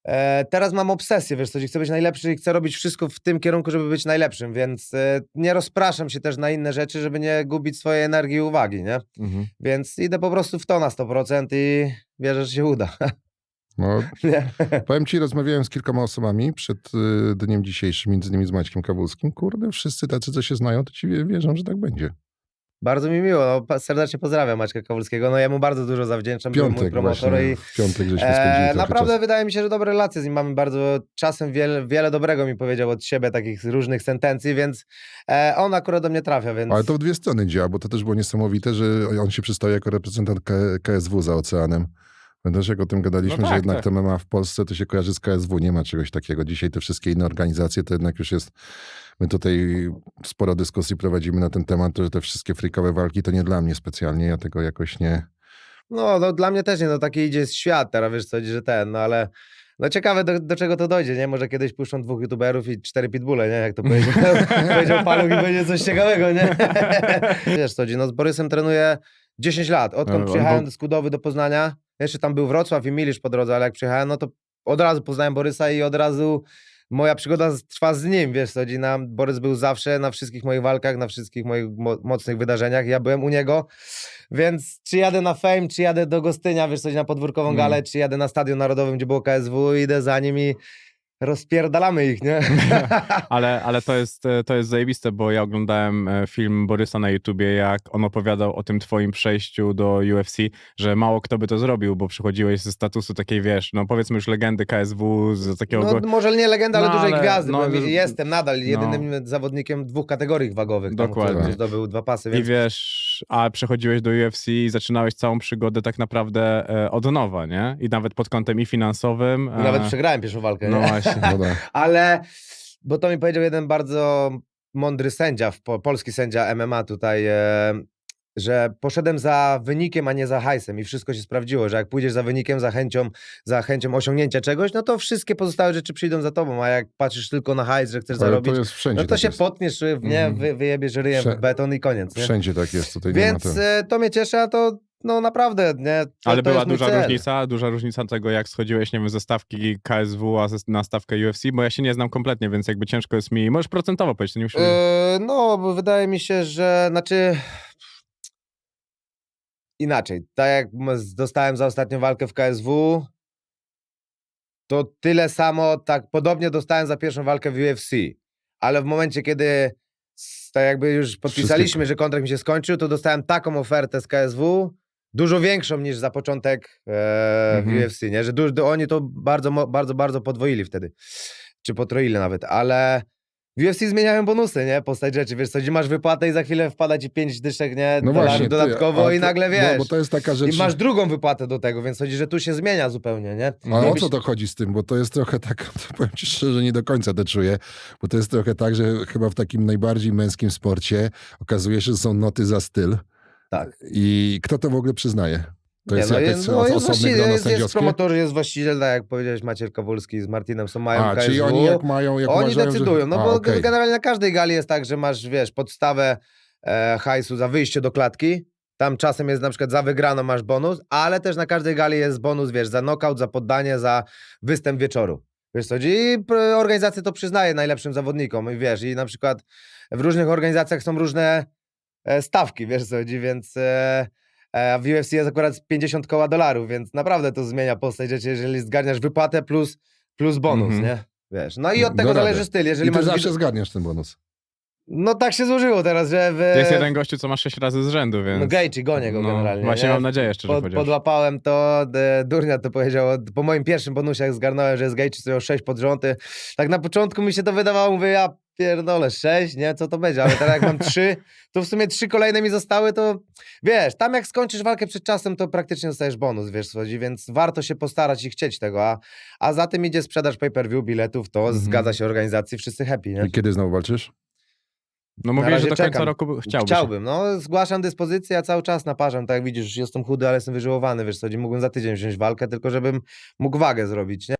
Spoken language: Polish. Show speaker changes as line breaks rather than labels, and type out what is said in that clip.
Teraz mam obsesję, wiesz co, chcę być najlepszy i chcę robić wszystko w tym kierunku, żeby być najlepszym, więc nie rozpraszam się też na inne rzeczy, żeby nie gubić swojej energii i uwagi, nie? Więc idę po prostu w to na 100% i wierzę, że się uda.
No, powiem ci, rozmawiałem z kilkoma osobami przed dniem dzisiejszym, między innymi z Maćkiem Kawulskim. Kurde, wszyscy tacy, co się znają, to ci wierzą, że tak będzie.
Bardzo mi miło, no, serdecznie pozdrawiam Maćka Kawulskiego, no ja mu bardzo dużo zawdzięczam, był mój promotor i
w piątek żeśmy spędzili
naprawdę
czas.
wydaje mi się, że dobre relacje z nim mamy bardzo, czasem wiele dobrego mi powiedział od siebie, takich różnych sentencji, więc on akurat do mnie trafia, więc...
Ale to w dwie strony działa, bo to też było niesamowite, że on się przedstawił jako reprezentant KSW za oceanem. Też jak o tym gadaliśmy,
No tak,
że jednak
tak.
to MMA w Polsce to się kojarzy z KSW, nie ma czegoś takiego. Dzisiaj te wszystkie inne organizacje to jednak już jest... My tutaj sporo dyskusji prowadzimy na ten temat, że te wszystkie freakowe walki to nie dla mnie specjalnie, ja tego jakoś nie...
No dla mnie też nie, no taki idzie świat teraz, wiesz co, że no ale... No ciekawe do czego to dojdzie, nie? Może kiedyś puszczą 2 youtuberów i 4 pitbulle, nie? Jak to powiedział Paluch i będzie coś ciekawego, nie? Wiesz co, no z Borysem trenuję 10 lat, odkąd przyjechałem do Skudowy do Poznania. Jeszcze tam był Wrocław i Milisz po drodze, ale jak przyjechałem, no to od razu poznałem Borysa i od razu moja przygoda trwa z nim, wiesz co, Borys był zawsze na wszystkich moich walkach, na wszystkich moich mocnych wydarzeniach, ja byłem u niego, więc czy jadę na Fame, czy jadę do Gostynia, wiesz co, na podwórkową galę, czy jadę na Stadion Narodowym, gdzie było KSW, idę za nim i rozpierdalamy ich, nie?
Ale to jest zajebiste, bo ja oglądałem film Borysa na YouTubie, jak on opowiadał o tym twoim przejściu do UFC, że mało kto by to zrobił, bo przychodziłeś ze statusu takiej, wiesz, no powiedzmy już legendy KSW, z takiego...
No może nie legenda, ale dużej gwiazdy,
no,
bo jestem nadal jedynym zawodnikiem 2 kategorii wagowych.
Dokładnie.
Tam, zdobył 2 pasy, więc...
I wiesz, a przechodziłeś do UFC i zaczynałeś całą przygodę tak naprawdę od nowa, nie? I nawet pod kątem i finansowym.
Nawet przegrałem pierwszą walkę,
no
nie?
Właśnie.
Ale, bo to mi powiedział jeden bardzo mądry sędzia, polski sędzia MMA tutaj, że poszedłem za wynikiem, a nie za hajsem i wszystko się sprawdziło, że jak pójdziesz za wynikiem, za chęcią osiągnięcia czegoś, no to wszystkie pozostałe rzeczy przyjdą za tobą, a jak patrzysz tylko na hajs, że chcesz zarobić,
to jest wszędzie,
no to
tak
się
jest.
potniesz, nie, wyjebiesz ryjem w beton i koniec. Nie?
Wszędzie tak jest, tutaj
więc
nie ma
to mnie cieszy, a to no naprawdę, nie?
Ale
to
była
jest mój cel.
duża różnica tego, jak schodziłeś, nie wiem, ze stawki KSW na stawkę UFC, bo ja się nie znam kompletnie, więc jakby ciężko jest mi... Możesz procentowo powiedzieć, to nie musi...
No, bo wydaje mi się, że... Znaczy... Inaczej. Tak jak dostałem za ostatnią walkę w KSW, to tyle samo, tak podobnie dostałem za pierwszą walkę w UFC. Ale w momencie, kiedy tak jakby już podpisaliśmy, że kontrakt mi się skończył, to dostałem taką ofertę z KSW, dużo większą niż za początek w UFC, nie? Że oni to bardzo podwoili wtedy. Czy potroili nawet, ale w UFC zmieniają bonusy, nie? Postać rzeczy, wiesz co, gdzie masz wypłatę i za chwilę wpada ci 5 dyszek, nie?
No właśnie,
dodatkowo i nagle wiesz.
No, bo to jest taka rzecz...
I masz drugą wypłatę do tego, więc chodzi, że tu się zmienia zupełnie, nie?
Ale o co to chodzi z tym? Bo to jest trochę tak, powiem ci szczerze, nie do końca to czuję, bo to jest trochę tak, że chyba w takim najbardziej męskim sporcie okazuje się, że są noty za styl.
Tak.
I kto to w ogóle przyznaje? To jest jakaś osobne grono
jest
sędziowskie?
promotor, jest właściciel, tak jak powiedziałeś, Maciej Kawulski z Martinem, mają KSW.
Czyli oni jak mają... Jak
oni
uważają,
decydują,
że...
bo okay. Generalnie na każdej gali jest tak, że masz, wiesz, podstawę hajsu za wyjście do klatki, tam czasem jest na przykład za wygraną masz bonus, ale też na każdej gali jest bonus, wiesz, za knockout, za poddanie, za występ wieczoru. Wiesz co, i organizacje to przyznaje najlepszym zawodnikom i wiesz, i na przykład w różnych organizacjach są różne stawki, wiesz co, więc... A w UFC jest akurat 50 koła dolarów, więc naprawdę to zmienia postać rzeczy, jeżeli zgarniasz wypłatę plus bonus, nie? Wiesz. No i od tego zależy styl. Jeżeli
I ty
masz
zawsze zgarniasz ten bonus.
No tak się złożyło teraz, że
Jest jeden gościu, co masz 6 razy z rzędu, więc...
No Gaethje, gonię go generalnie.
Właśnie
nie?
mam nadzieję, szczerze powiedziawszy.
Podłapałem to, Durnia to powiedział, po moim pierwszym bonusie jak zgarnąłem, że jest Gaethje, to miał 6 pod rząd. Tak na początku mi się to wydawało, mówię, ja pierdolę, 6, nie? Co to będzie? Ale teraz jak mam 3, to w sumie 3 kolejne mi zostały, to wiesz, tam jak skończysz walkę przed czasem, to praktycznie dostajesz bonus, wiesz, chodzi, więc warto się postarać i chcieć tego, a za tym idzie sprzedaż pay-per-view, biletów, to zgadza się organizacji, wszyscy happy, nie?
I kiedy znowu walczysz?
No mówię, że do końca roku
chciałbym, no zgłaszam dyspozycję, a cały czas naparzam, tak jak widzisz, jestem chudy, ale jestem wyżyłowany, wiesz co, mógłbym za tydzień wziąć walkę, tylko żebym mógł wagę zrobić, nie?